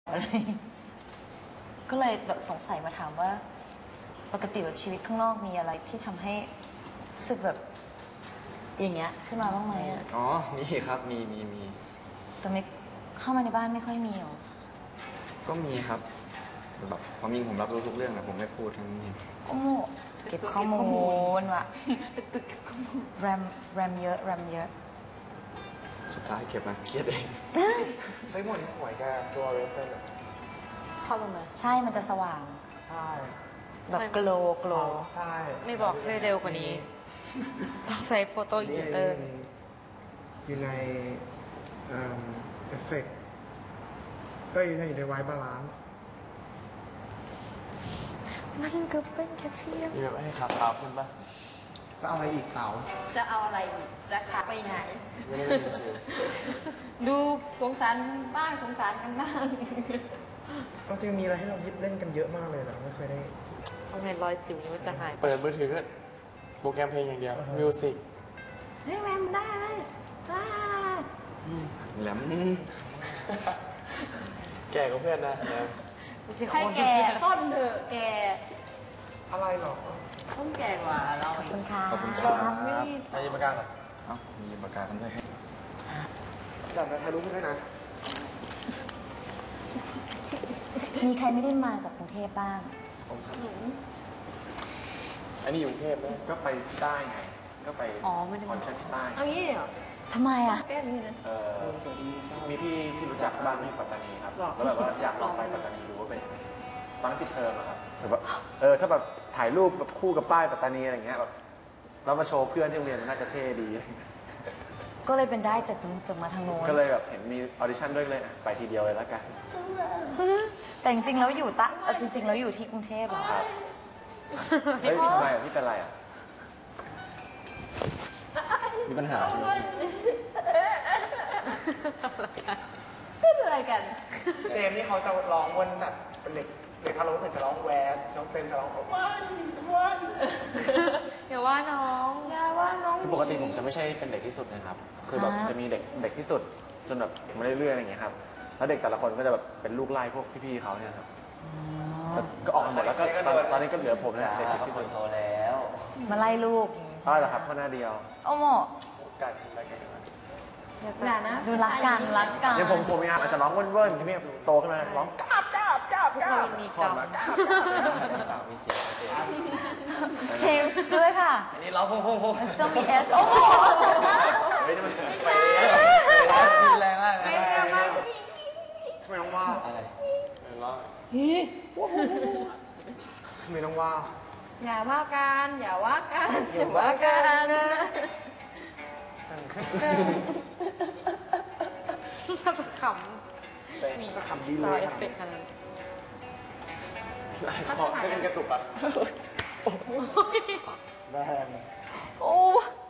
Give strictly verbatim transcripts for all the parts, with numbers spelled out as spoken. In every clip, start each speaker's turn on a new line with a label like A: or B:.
A: อะไรก็เลยแบบสงสัยมาถามว่าปกติแบบชีวิตข้างนอกมีอะไรที่ทำให้รู้สึกแบบอย่างเงี้ยขึ้นมาบ้างไหมอ่ะ
B: อ๋อมีครับมีมีมี
A: แต่ไม่เข้ามาในบ้านไม่ค่อยมีหรอ
B: ก็มีครับแบบความจริงผมรับรู้ทุกเรื่องแต่ผมไม่พูดทั้งนี้
A: โอ้เก็บข้อมูลว่ะแรมแรมเยอะแรมเยอะ
B: สุดท้ายเก็บมาเครียดเอง
C: เฮ้ยหมวดนี้สวยแกตัวเรฟเฟอร์
A: เข้าลงมาใช่มันจะสว่าง
C: ใช่
A: แบบโกลโกล
C: ใช่
D: ไม่บอกให้เร็วกว่านี้ต้องใช้โฟโต้อินเตอร์
C: อยู่ในเอฟเฟกต์เอ้ยอยู่ในไวบาลานซ์
D: มันก็เป็นแค่เพียง
B: มีแบบให้ขาขาวขึ้นปะ
C: จะเอาอะไรอีกเต๋า
D: จะเอาอะไรอีกจะขาไปไหน
B: ไม่ได้จริง
D: ดูสงสารบ้างสงสารกันบ้าง
C: ก็จริงมีอะไรให้เรายึดเล่นกันเยอะมากเลยแต่ไม่เคยได้
D: เอาไงรอยสิวมันจะหาย
B: เปิดมือถือก็โปรแกรมเพลงอย่างเดียวมิวสิก
D: เฮ้ยแมนได้เลย
B: แหลมแก่กว่าเพื่อนนะแหลม
D: ให้แก่ต้นเถอะแก่
C: อะไรหรอ
D: ต้นแก่กว่าเรา
A: ขอบคุณค่ะ
B: ขอบคุณครับให้ยืมปากกาก่อนเอ้ามียืมปากกากันด้วย
C: แต่ถ่ายรูปให้ด้วยนะ
A: มีใครไม่ได้มาจากกรุงเทพบ้าง
B: ผมครับอันนี้อยู่กรุงเทพไหม
C: ก็ไปที่ใต้ไงก็ไป
D: อ๋อไม่ได้
C: คอนเสิร์ตที่ใต้
D: เอางี้เหรอ
A: ทำไมอ่ะ
D: แก้นี้นะ
C: เออสวัสดีมีพี่ที่รู้จักบ้านที่ปัตตานีครับแล้วแบบว่าอยากลองไปปัตตานีดูว่าเป็นตอนนั้นปิดเทอมอะครับแบบว่าเออถ้าแบบถ่ายรูปแบบคู่กับป้ายปัตตานีอะไรเงี้ยแบบเรามาโชว์เพื่อนที่โรงเรียนน่าจะเท่ดี
A: ก็เลยเป็นได้จากจากมาทางโน้น
C: ก็เลยแบบเห็นมีออดิชั่นด้วยเลยไปทีเดียวเลยแล้วกัน
A: แต่จริงๆแล้วอยู่ตะจริงๆแล้วอยู่ที่กรุงเทพเหรอ
C: ครับเฮ้ยทำไมอ่ะพี่เป็นไรอ่ะมีปัญหาใช่ไหม
D: เป็นอะไรกัน
C: เจมนี่เขาจะร้องวนแบบเป็นเด็กเด็กทารกถึงจะร้องแวดน้องเต็มจะร้องวันวัน
D: อย่าว่าน้องอย่าว่าน้อง
C: คือปกติผมจะไม่ใช่เป็นเด็กที่สุดนะครับคือแบบจะมีเด็กเด็กที่สุดจนแบบมาเรื่อยๆอย่างเงี้ยครับแล้วเด็กแต่ละคนก็จะแบบเป็นลูกไล่พวกพี่ๆเขาเนี่ยครับก็ออกมาหมดแล้วก็ตอนนี้ก็เหลือผมเนี่ยเด็กที่สุด
B: โตแล้ว
A: มาไล่ลูก
C: ใช่เหรอครับข้อหน้าเดียว
A: โอ้โห
B: กันอะไรกัน
D: อย่านะ
A: ดูรักกันรักกัน
C: เนี่ยผมผมยังอาจจะร้องเว่นๆที่นี่โตขึ้นมาร้องกราบกราบกราบกราบ
D: มีกรรม
C: กราบ
B: สาวมีเสียง
A: เชมส์ด้วยค่ะ
B: อันนี้ร้องพงพงพง
A: ต้องมีเอสโอ้โห
C: ไม่ได้มันไม่
D: ใช่
B: แรงมาก
D: ไม่ใช่มาก
C: ทำไมต้องว่า
B: อะไรร้อง
C: ทำไมต้องว่า
D: อย่าว่ากันอย่าว่ากันอย่าว่ากันนะถ้าขำ
C: มีก็ขำดีเลย
D: เอฟเฟกต์ขนาด
C: ขอเส้นกระตุกอ่ะแรง
D: โอ้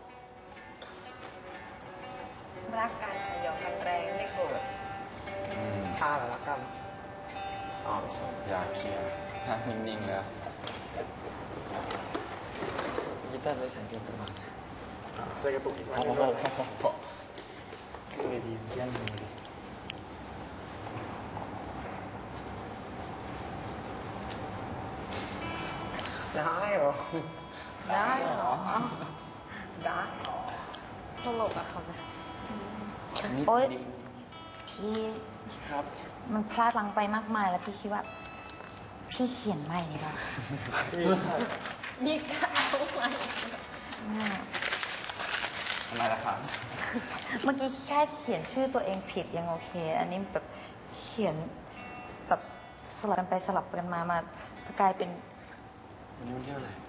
D: รักกันหยอกกันแรงไม่โกรธ
C: ท่าหรือรักกัน
B: อ๋อไม่ใช่อยากเคลียร์นั่งนิ่งๆแล้วกีตาร์เลยสังเกตประมาณ
C: เส้นกระตุกอีกไหม
B: พอพอพอพอคือดียันดี
C: ได้เหรอ
D: ได้เหรอ
C: ได้เหรอ
D: ตลกอะครับ
A: โอ๊ยพี่
B: ครับ
A: มันพลาดพลั้งไปมากมายแล้วพี่คิดว่าพี่เขียนใหม่ดีกว่า
D: นี่ก็เอาใหม่
B: อะไรล่ะครับ
A: เมื่อกี้แค่เขียนชื่อตัวเองผิดยังโอเคอันนี้แบบเขียนแบบสลับกันไปสลับกันมามาจะกลายเป็น
B: วันนี้วันที่เท่าไหร่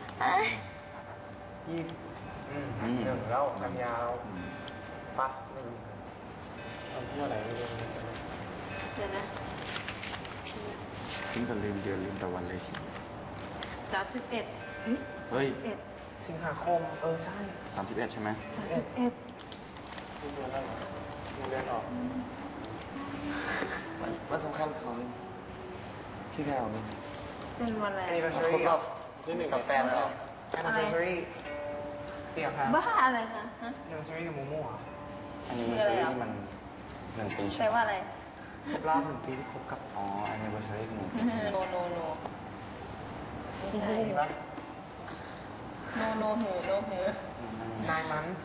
C: ยี่หนึ่งแล้วกันยาวปะ
B: วันที่เท่าไหร่ไม่รู้
D: เดี๋ยวนะ
B: ทิ้งแต่ลืมเดือนลืมแต่วันเลยที
D: สามสิบเอ็ด
B: เฮ้ย
C: สิงหาคมเออใช่
B: สามสิบเอ็ดใช่ไหม
A: สามสิบเอ็ด
B: สิ้นเดือนแล้วเหรอเดือนออกวันสำคัญของพี่แก้วนี่
D: เป็นวันอะไร
C: ครบรอบ
B: ที่หนึ่งกับแฟนเหรอ
C: anniversary เตี่ยครับ
D: บ้าอะไรคะ
C: anniversary กับมูมูอ่ะ
B: anniversary ที่มันหนึ่งปีใช่
D: แปลว่าอะไร
C: ครบรอบหนึ่งปีที่คบกับ
B: อ๋อ anniversary ของหนู
D: โนโนโนไม่ใช่
C: นี่ปะ
D: โนโนหูโนหู
C: nine months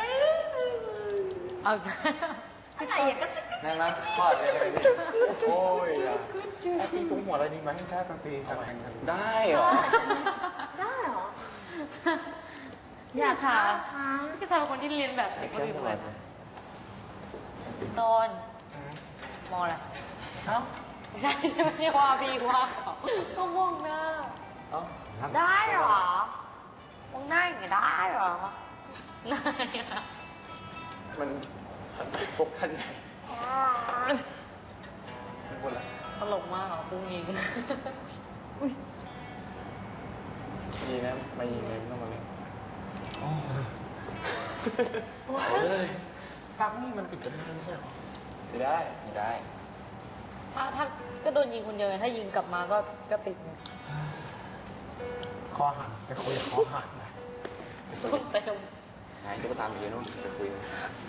D: เอาอีกแล้วอะไรอย่างก็
B: นั่นนะทอดเลยได้ไหม
C: โอ้ยอ่ะตีตุ้งหัวอะไรดีไหมถ้าต้องตีทำไม
B: ได้เหรอ
D: ได้เหรอ อย่าช้าช้าพี่ชายเป็นคนที่เรียนแบบเด็กคนอื่นเลยตอนมองอะไร
C: เอ้า
D: ไม่ใช่ไม่ใช่ไม่ได้ว่าพี่ว่าเขาก็มองหน้า
C: เอ้า
D: ได้เหรอมองหน้าอย่างนี้ได้เหรอหน้าเนี่ย
C: มันพกขั้นใหญ่ไม่พูดละ
D: ตลกมากเหรอปุ้งยิง
C: ดีนะมายิงเลยไม่ต้องมาเล่น
B: โอ้
C: เฮ้ยปักนี่มันติดกันได้ไม่ใช่หรอไม่ได้
B: ไม่ได้
D: ถ้าถ้าก็โดนยิงคนเดียวไงถ้ายิงกลับมาก็ก็ติดไง
C: คอหักไปคุยกับคอหักนะ
D: สู้เต็ม
B: ไหนตุ๊กตามีเยอะนู่นไปคุยกัน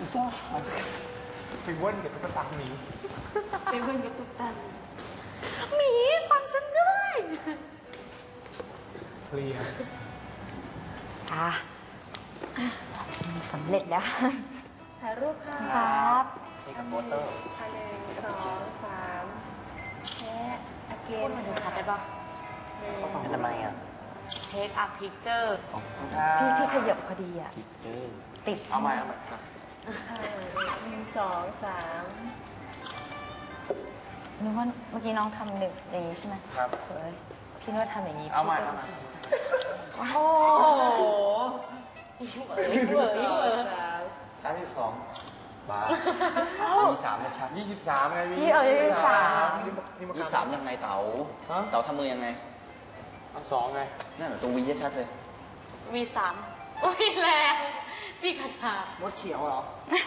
C: ไปว่นกับตุ๊กตาหมี
D: ไปเพื่อนกับตุ๊กตาหมีฟังฉันด้วย
C: เคลียร์
A: อ่ะสำเร็จแล้ว
D: ถ่ายรูปค่ะ
A: ครับ
B: เทคโปเตอร์
D: ถ่ายหนึ่งสองสามแค่อาเกนพูดมาชัดๆได้ปะ
B: นั่นทำไมอ่ะ
D: เทคอัพพิกเจอร์
B: ของ
A: พี่พี่ขยับพอดีอ่ะ
B: พิกเจอร์
A: ติด
B: เอาใหม่เอาใหม่ครับ
D: หนึ่งสองสาม
A: นึกว่าเมื่อกี้น้องทำหนึ่งอย่างนี้ใช่ไหม
C: ครับ
A: เฮ้ยพี่นวดทำอย่างนี้
B: เอาใหม่
A: พี่
B: เอา
A: ก็
B: ใหม่
D: โอ้โหยิ่งเอ๋ยยิ่งเอ๋ยยิ่งเอ๋ย
B: สามสิบสองบาทมีสามชัด
C: ยี่สิบสามไงพี่
A: พี่เอ๋ยยี่สิบสาม
C: นี่นี่
B: ยี่สิบสามยังไงเต๋า
C: ฮะ
B: เต๋าทำมือยังไง
C: อันสองไง
B: นั่นเหรอตัววีชัดเลย
D: มีสามโอ้ยแรงพี่กระชาม
C: ดเขียวเหรอ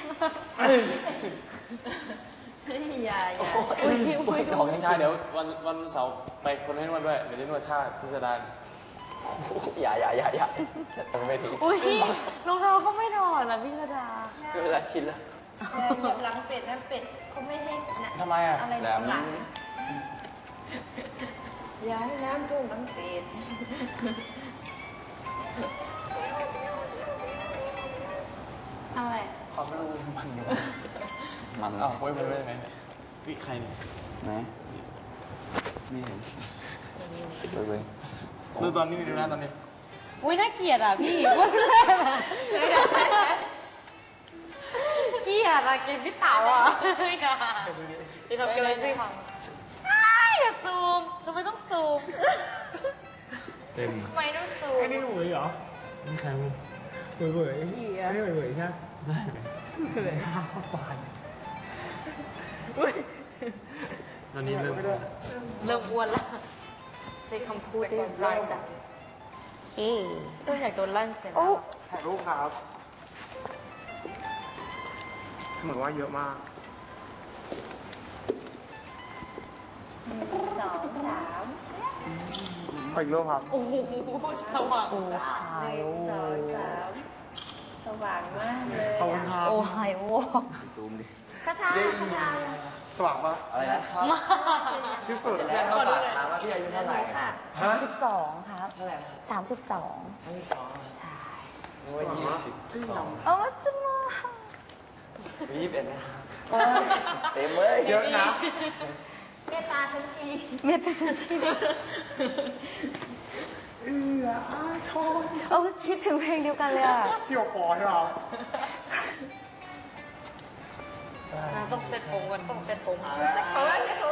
D: อย่าอย่า
B: อุ้ยอุ้ย
C: ของใช่เดี๋ยววันวันเสาร์ไปคนให้นวดด้วย เดี๋ยวได้นวดท่าพิสดาร
B: อย่าอย่าอย่าอย่าไม่ดี
D: อุ้ยรองเท้าก็ไม่ถอดนะพี่กระชา
B: ก็เวลาชินแล้ว
D: หลังเป็ดนะเป็ดเขาไม่ให้นะ
C: ทำไมอ่ะ
D: อะไร
B: แหลม
D: หลังย้ายน้ำท่วมหลังเป็ดอะไร
C: ความรู้มันอยู่
B: มัน
C: อ้าวเว้ยเว้ยเว้ยไงเนี่ยวิใครเนี่ย
B: ไหนไม่เห็นเว้ยเว้ย
C: ดูตอนนี้ดูนะตอนนี้
D: อุ้ยน่าเกลียดอ่ะพี่วันแรกอ่ะเกลียดอ่ะเกลียดพี่เต๋าอ่ะอย่าอย่าทำกันเลยสิอย่าซูมทำไมต้องซูม
C: เต็ม
D: ทำไมต้องซูม
C: ไอ้นี่เหวยเหรอนี่ใครมึงเหวยเหวยไอ้นี่เหวยเหวยใช่ไหมใช่เลยห้าข้อปานตอนนี้เริ่ม
D: เริ่มอ้วนแล้วใช้คำพูดได้ร้ายดัง
A: โอเค
D: ต้องอยากโดนลั่นเสร็จ
A: โอ้
C: ถ่ายรูปครับสมมติว่าเยอะมาก
D: สองสาม
C: ขออีกรูปครับ
D: โอ้โหสว่าง
A: โอ้
D: จ้า
A: หายโอ้
D: สองสามสว่างมากเลย
C: ขอบคุณครับ
A: โอ้หายโอ้
B: ซูมดิ
D: ช้าช้าช้า
C: สว่างปะ
B: อะไรนะ
D: มาก
C: ที่สุด
B: เสร็จแล้วก็ฝากถามว่าพี่อายุเท่าไหร่
D: ค่ะ
A: สามสิบสองครับ
B: เท่าไหร่นะครับ
A: สามสิบสอง
B: ยี่สิบสอง
A: ใช่
B: โอ้ยยี่สิบสอง
A: โอ้จะมา
B: ยี่สิบเอ็ดนะครับ
A: โอ้ย
B: เต็มเลย
C: เยอะนะ
D: เมตตาฉันที
A: เมียเป็นสิเอออาชอบโอ้คิดถึงเพลงเดียวกันเลยอ่ะ
C: พี่โอปอใช่ไหม
D: ต้องเซ็ตผมก่อนต้องเซ็ตผมเซ็ตผมเซ็ตผม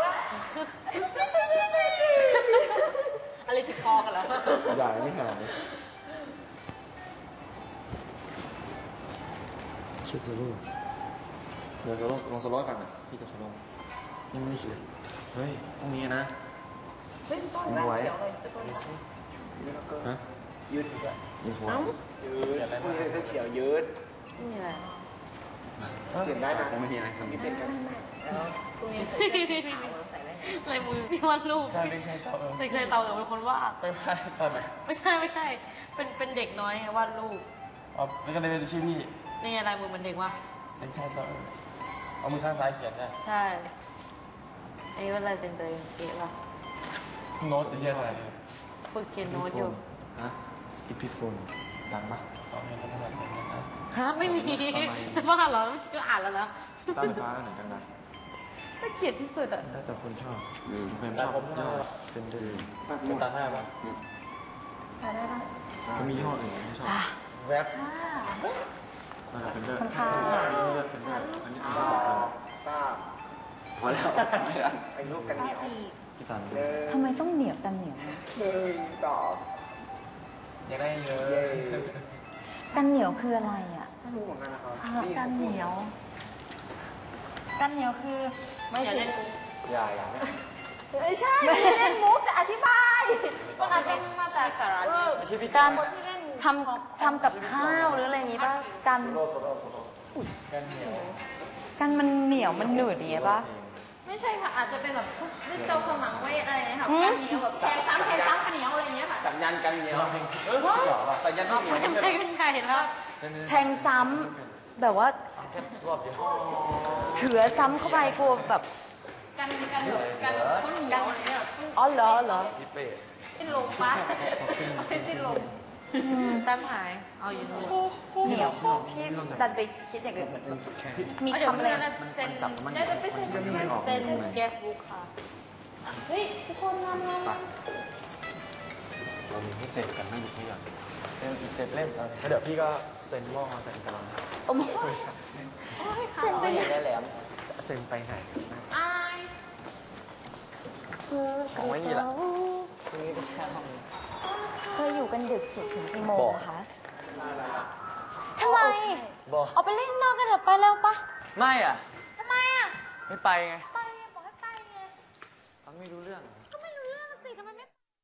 D: อะไรติดคอกันแล้ว
C: ใหญ่ไม่หายชื่อโซโล่เดี๋ยวโซโล่ลองโซโล่ให้ฟังหน่อยพี่กับโซโล่ยังไม่ได้คิดเลยเฮ้ยพรุ่งนี้นะ
D: เล่นต้น
C: ยังไว้
D: เขียวเลยต้น
C: ฮะยืดอีกแล้วยืดหัวยืดอะไรบ้างเสื้อเขียวยืด
D: นี่แหละ
C: เปลี่ยนได้นะ
B: คงไม่มีอะไรสำคัญ
D: พรุ่งนี้ใส่ขาวใส่ไว้ลายมือพี่วาดรูป
C: ใช่ไม่ใช่เจ้าเออ
D: เด็กชายเตาแต่เป็นคนวาด
C: ไปไปตอนไหน
D: ไม่ใช่ไม่ใช่ เป็นเป็นเด็กน้อยไงวาดรูป
C: อ๋อแล้วก็เลยเป็นชื่อพี่
D: นี่ไงลายมือมันเด็กวะ
C: เด็กชายเจ้าเออเอามือข้างซ้ายเขียนใช่
D: ใช่
C: เ
D: อันนี้เป็นอะไรเป็นตัวเก๋ป่ะ
C: โน้ตเยอะอะไร
D: ฝึกเขียนโน้ตอยู่
C: ฮะอีพิโฟนดังปะ
D: ฮะไม่มีจะบ้าเหรอเมื่อกี้ก็อ่านแล้วนะ
C: ต้าไฟฟ้าไหนกันนะ
D: น่าเกลียดที่สุดอ่ะ
C: น่าจะคนชอบเฟรมชอบยอดเซนเดอร์
B: เป็นตาหน้าปะ
D: อ่านได้ปะ
C: ก็มียี่ห้ออื่นที่ชอบ
B: แวบ
C: น่าจะเป็นเดอร์
A: คนข้าง
C: อันนี้เลือกเป็นเดอร์อันนี้เป็นเดอร์
B: พอแล้วไม่ได้
C: ไอ้ลูกกันเหนียวพี่สัน
A: ทำไมต้องเหนียวกันเหนียว
B: อยากได้เยอะ
A: กันเหนียวคืออะไรอ่ะ
C: ไม่รู้เหมือนกันนะครับ
A: กันเหนียว กันเหนียวคือ
D: ไม่อย่าเล่นมุก
C: อย่าอย่าไม่
A: ไม่ใช่ไม่ใช่เล่นมุกแต่อธิบายมันอาจจะมาจาก
D: สาระ
C: ไม่ใช่พี่
A: การทำทำกับข้าวหรืออะไรอย่างงี้ป่ะกัน
C: โซโล่โซโล่โซโล่
B: กันเหนียว
A: กันมันเหนียวมันหนืดอย่างเงี้ยป่ะ
D: ไม่ใช่ค่ะอาจจะเป็นแบบเจ้าขมังไว้อะไรนะคะ
A: หืม
D: กันเหนียวแบบแทงซ้ำแทงซ้ำกันเหนียวอะไรอย่างเงี้ยค่ะ
C: สัญญาณกันเหนียวเออเหรอสัญญาณที่เหนียว
D: ไม่
C: ไม่ใช่
D: ใช่กันใหญ่แล้ว
A: แทงซ้ำแบบว่า
C: รอบเดียว
A: เถือซ้ำเข้าไปกลัวแบบ
D: กันกันแบบกันแบบข้าวเหนียวอะไรเงี้ย
A: อ๋อเหรอเหรอ
C: พี่เป้
D: สิ้นลมปะไม่สิ้นลม
A: อืม
D: แต้มหายเอาอยู่นู่น
A: เหนียวพี่ดันไปคิดอย่างอื่นมี
D: เดี๋ยว
A: คำ
D: เพื่
A: อะไร
D: อนเซ็นได้ไปเซ็นเซ็นแกสบุ๊กค่ะเฮ้ยทุกคนงานงาน
C: เรามีให้เซ็นกันไม่หยุดไม่หย่อนเซ็นอีกเจ็ดเล่มแล้วเดี๋ยวพี่ก็เซ็นหม้อเซ็นกำลัง
A: โอ้โหเซ็นไปไหน
C: จะเซ็นไปไหน
D: อาย
C: ของไม่มีละตรงนี้ก็แช่ห้อง
A: เคยอยู่กันดึกสุดถึงกี่โมงคะทำไม
B: บอก
A: เอาไปเล่นนอกกันเถอะไปแล้วปะ
B: ไม่อ่ะ
D: ทำไมอ่ะ
B: ไม่ไปไง
D: ไปไงบอกให้ไปไง
B: ฟังไม่รู้เรื่อง
D: ก็ไม่รู้เรื่องสิทำไมไม่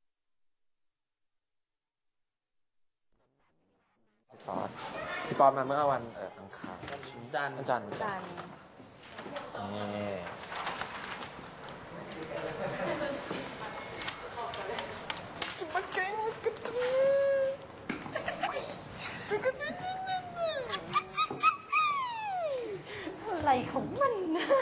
C: พี่ป๊อตพี่ป๊อตมาเมื่อวันเอ่ออังคาร
B: จันทร์
C: วันจันทร์
A: จัน
C: นี่
A: อะไรของมัน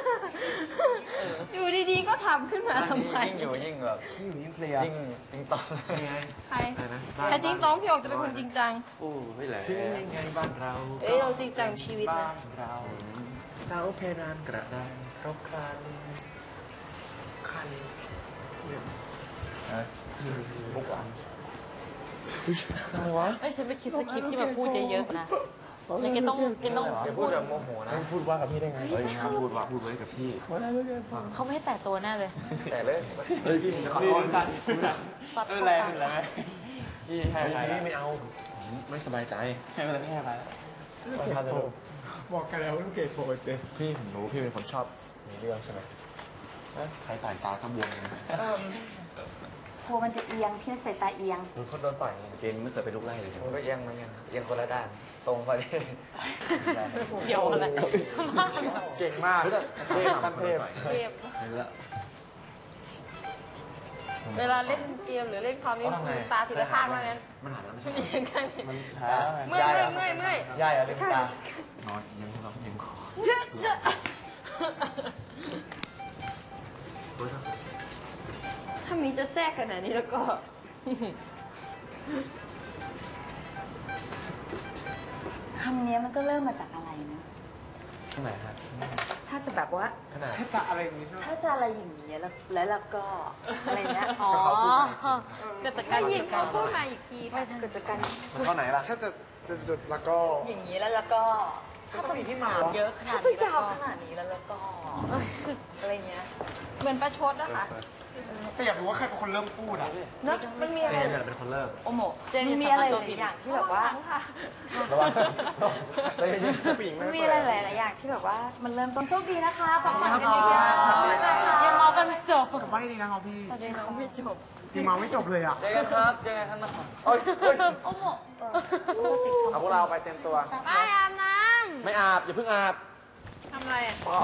A: อยู่ดีๆก็ทำขึ้นมาทำไม
B: ยิ่งอยู่ยิ่งแบบ
C: ยิ่งอยู่ยิ่งเพลีย
B: ยิ่งติงตอง
C: ยังไง
D: ใคร
C: อะไรนะ
D: แต่จริงต้องพี่ออกจะเป็นคนจริงจัง
B: โอ้ไม่แหละ
C: ถึงยังไงบ้านเรา
D: เอ้ยเราจริงจังชีวิตนะ
C: บ้านเราเสาเพดานกระดานครบครันคันเนี่ยบุกอันอะไรวะ
D: เอ้ยฉันไปคิดสคริปต์ที่แบบพูดเยอะๆนะแล้วแกต้องแกต้อง
B: อย่าพูดแบบโมโหนะ
C: พูดว่ากับพี่ได้ไงเฮ้ยห้ามพูดว่าพูดไว้กับพี่
D: เขาไม่ให้แตะตัวแน่เลย
B: แต่เลย
C: เฮ้ยพี่ขอโทษกัน
D: ตัด
B: ไม่เป็นไรไม่เป็นไรพี่ให้ใคร
C: พี่ไม่เอาผมไม่สบายใจ
B: ไม่เป็นไรพี่ให้ไปวันพันธุ์
C: บอกกันแล้วว่าลูกเกดโฟเจพี่ผมรู้พี่เป็นคนชอบมีเรื่องใช่ไหมใครต่อยตาขบวงเลย
A: กลัวมันจะเอียง พี่ใส่ตาเอียง
C: หรือคนโดนต่อยไง
B: เจนไม่เคยไปลุกไล่เลยมันก็เอียงเหมือนกันเอียงคนละด้าน ตรงพอดี
D: เดี๋ยวอะไร
C: เก่งมากเทพขั้นเทพ
D: เทพ
B: เห็นแล้ว
D: เวลาเล่นเกมหรือเล่นคอมนี่คือตาทีละข้างเท่านั้น
C: มันหายแล้วไม่ใช่
D: ไม่ยังไง
C: มัน
B: ช้า
D: เมื่อยเมื่อยเมื่อย
B: ย่ายอะลืมตา
C: นอนยังเรายังคอ
D: เยอะจะ ถ้ามีจะแทรกขนาดนี้แล้วก็
A: คำนี้มันก็เริ่มมาจากอะไรนะ
C: ข้างไหนฮะ
A: ถ้าจะแบบว่า
C: ขนาดถ้าอะไรอย่างนี้
A: ถ้าจะอะไรอย่างนี้แล้วแล้วแล้วก็อะไรเงี้ย
D: อ๋อเกิดจากการยิงเขาพูดมาอีกที
A: ไม่เกิดจากการ
C: มันเข้าไหนล่ะ ถ้าจะจะจุดแล้วก็
A: อย่างนี้แล้วแล้วก็
C: ถ้าจะมีที่มา
D: เยอะขนา
A: ถ้า
D: ด
A: จะ
D: นี้
A: ยาวขนาดนี้แล้วแล้วก็อะไรเงี้ย
D: เหมือนประชดนะคะ
C: ก็อยากรู้ว่าใครเป็นคนเริ่มพูดอ่ะ
A: เนอะมันมีอะ
C: เจ
A: ไร
C: นเนี่ยเป็นคนเริ่ม
A: โอโมมันมีอะไรหลายอย่างที่แบบว่า
C: ระวัง
B: ใจเย็น
C: ผู้หญิง
A: มัน
C: ไม่
A: มี
C: เปิ
A: อะไร
C: ด
A: หลายๆอย่างที่แบบว่า มันเริ่มต้นโชคดีนะคะฝังฝันกัน
C: ขอบ
A: เย
C: คุณครับ
A: อะๆ
D: ยังเมากันไม่จบ
C: ไม่ดีนะครับพี่
D: ประเด็นเขาไม่จบ
C: ยังมาไม่จบเลยอ่ะ
B: เจอกันครับเจอกันข้างนอก
C: โอ้ยเฮ้ย
A: โอโม
C: เอาพวกเราไปเต็มตัว
D: ไปอาบน้
C: ไม่อาบ อย่าเพิ่งอาบ
D: ำทำอะไรอ่ะ
C: เอา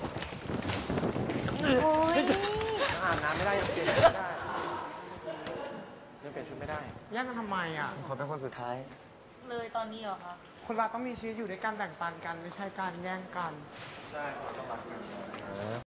A: โอ้ย
C: อาบน้ำไม่ได้ยังเปลี่ยนชุดไม่ได้ยังเปลี่ยนชุดไม่ได้
E: แย่งกันทำไมอ่ะ
B: ขอเป็นคนสุดท้าย
D: เลยตอนนี้เหรอคะ
E: คนเราต้องมีชีวิตอยู่ด้วยกันแบ่งปันกัน ไม่ใช่การแย่งกัน
C: ใช่ต้องรักกัน